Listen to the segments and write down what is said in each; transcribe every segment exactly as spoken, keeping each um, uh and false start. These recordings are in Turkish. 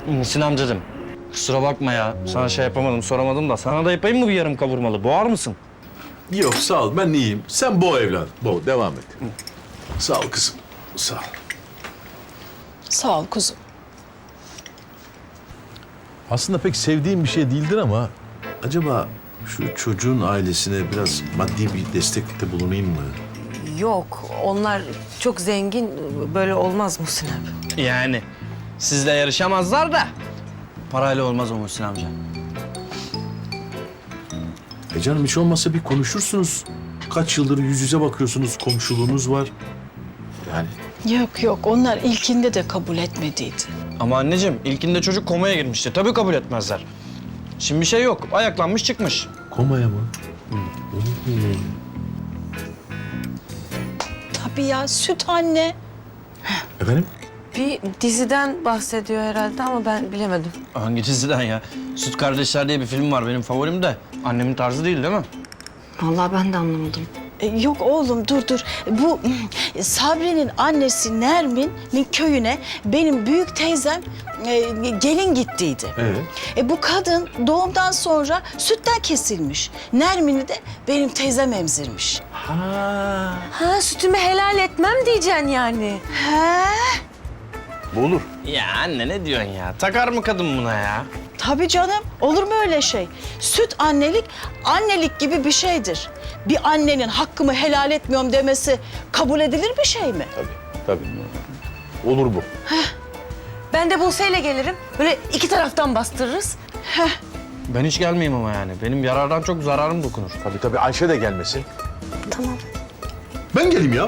Muhsin amcacığım, kusura bakma ya. Sana şey yapamadım, soramadım da. Sana da yapayım mı bir yarım kavurmalı? Boğar mısın? Yok sağ ol ben iyiyim. Sen boğ evladım. Boğ devam et. Sağ ol kızım. Sağ ol. Sağ ol kuzum. Aslında pek sevdiğim bir şey değildir ama acaba şu çocuğun ailesine biraz maddi bir destekte bulunayım mı? Yok, onlar çok zengin. Böyle olmaz Muhsin abi. Yani sizle yarışamazlar da parayla olmaz o Muhsin amca. E canım hiç olmazsa bir konuşursunuz. Kaç yıldır yüz yüze bakıyorsunuz, komşuluğunuz var. Yani Yok yok, onlar ilkinde de kabul etmediydi. Ama anneciğim ilkinde çocuk komaya girmişti. Tabii kabul etmezler. Şimdi bir şey yok. Ayaklanmış çıkmış. komaya mı? Tabii ya, süt anne. Efendim? Bir diziden bahsediyor herhalde ama ben bilemedim. Hangi diziden ya? Süt Kardeşler diye bir film var benim favorim de. Annemin tarzı değil değil mi? Vallahi ben de anlamadım. E, yok oğlum, dur dur. Bu mm, Sabri'nin annesi Nermin'in köyüne benim büyük teyzem e, gelin gittiydi. Evet. E, bu kadın doğumdan sonra sütten kesilmiş. Nermin'i de benim teyzem emzirmiş. Ha. Ha, sütümü helal etmem diyeceksin yani. He? Bu olur. Ya anne ne diyorsun ya? Takar mı kadın buna ya? Tabii canım. Olur mu öyle şey? Süt annelik, annelik gibi bir şeydir. Bir annenin hakkımı helal etmiyorum demesi kabul edilir bir şey mi? Tabii, tabii. Olur bu. Ben de Buse'yle gelirim. Böyle iki taraftan bastırırız. Ben hiç gelmeyeyim ama yani. Benim yarardan çok zararım dokunur. Tabii tabii Ayşe de gelmesin. Tamam. Ben geleyim ya.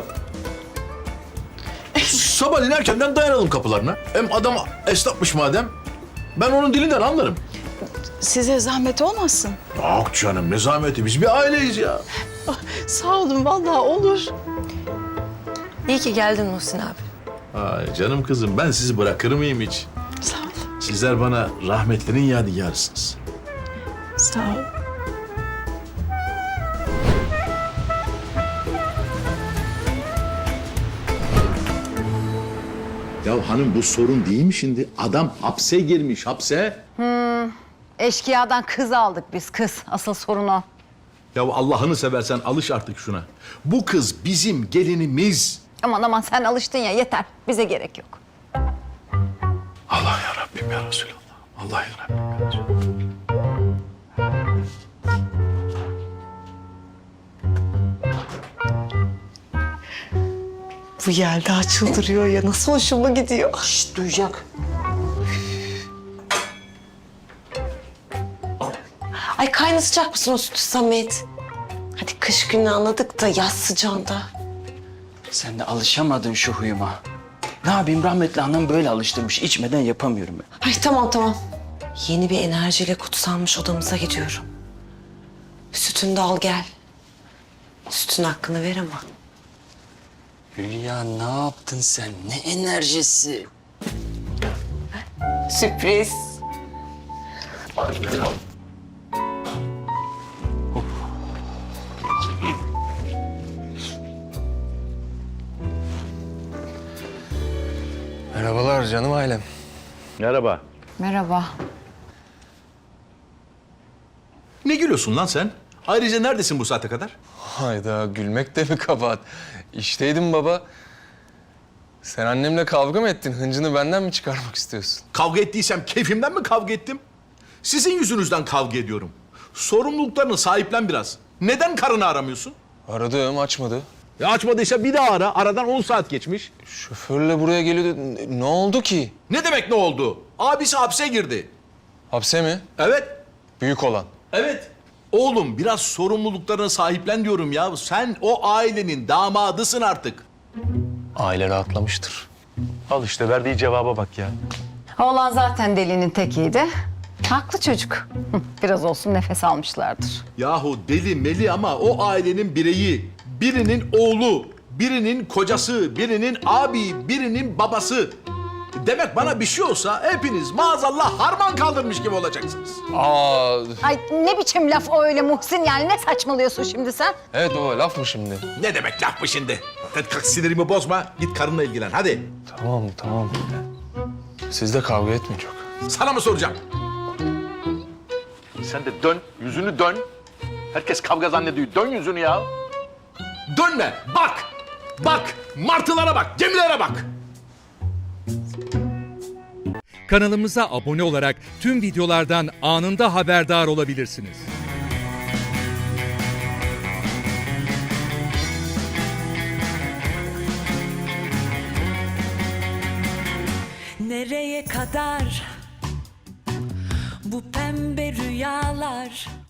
Sabahleyin erkenden dayanalım kapılarına. Hem adam esnafmış madem. Ben onun dilinden anlarım. Size zahmet olmasın. Yok canım ne zahmeti biz bir aileyiz ya. Sağ olun, vallahi olur. İyi ki geldin Muhsin abi. Ay canım kızım ben sizi bırakır mıyım hiç? Sağ ol. Sizler bana rahmetlerin yadigarısınız. Sağ ol. Ya hanım bu sorun değil mi şimdi? Adam hapse girmiş hapse. Eşkıyadan kız aldık biz kız. Asıl sorun o. Ya Allah'ını seversen alış artık şuna. Bu kız bizim gelinimiz. Aman aman sen alıştın ya yeter. Bize gerek yok. Allah ya Rabbim ya Resulallah. Allah ya Rabbim ya Resulallah. Bu Yelda çıldırıyor ya. Nasıl hoşuma gidiyor. Şşt, duyacak. Ay kaynatacak mısın o sütü Samet? Hadi kış günü anladık da yaz sıcağında. Sen de alışamadın şu huyuma. Ne yapayım rahmetli annem böyle alıştırmış. İçmeden yapamıyorum ben. Ay tamam tamam. Yeni bir enerjiyle kutsanmış odamıza gidiyorum. Sütünü de al gel. Sütün hakkını ver ama. Hülya ne yaptın sen? Ne enerjisi? Sürpriz. Merhabalar canım ailem. Merhaba. Merhaba. Ne gülüyorsun lan sen? Ayrıca neredesin bu saate kadar? Hayda gülmek de mi kabahat? İşteydim baba. Sen annemle kavga mı ettin? Hıncını benden mi çıkarmak istiyorsun? Kavga ettiysem keyfimden mi kavga ettim? Sizin yüzünüzden kavga ediyorum. Sorumluluklarını sahiplen biraz. Neden karını aramıyorsun? Aradım açmadı. Ya açmadıysa bir daha ara. Aradan on saat geçmiş. Şoförle buraya geliyordu. Ne- Ne oldu ki? Ne demek ne oldu? Abisi hapse girdi. Hapse mi? Evet. Büyük olan. Evet. Oğlum biraz sorumluluklarını sahiplen diyorum ya. Sen o ailenin damadısın artık. Aile rahatlamıştır. Al işte verdiği cevaba bak ya. Oğlan zaten delinin tekiydi. Haklı çocuk. Hı, biraz olsun nefes almışlardır. Yahu deli meli ama o ailenin bireyi. Birinin oğlu, birinin kocası, birinin abi, birinin babası. Demek bana bir şey olsa hepiniz maazallah harman kaldırmış gibi olacaksınız. Aa, Ay ne biçim laf o öyle Muhsin yani ne saçmalıyorsun şimdi sen? evet o laf mı şimdi? Ne demek laf mı şimdi? Hadi kalk sinirimi bozma, git karınla ilgilen hadi. Tamam tamam. Siz de kavga etmeyin çok. Sana mı soracağım? Sen de dön, yüzünü dön. Herkes kavga zannediyor. Dön yüzünü ya. Dönme. Bak. Bak. Martılara bak. Gemilere bak. Kanalımıza abone olarak tüm videolardan anında haberdar olabilirsiniz. Nereye kadar bu pembe rüyalar?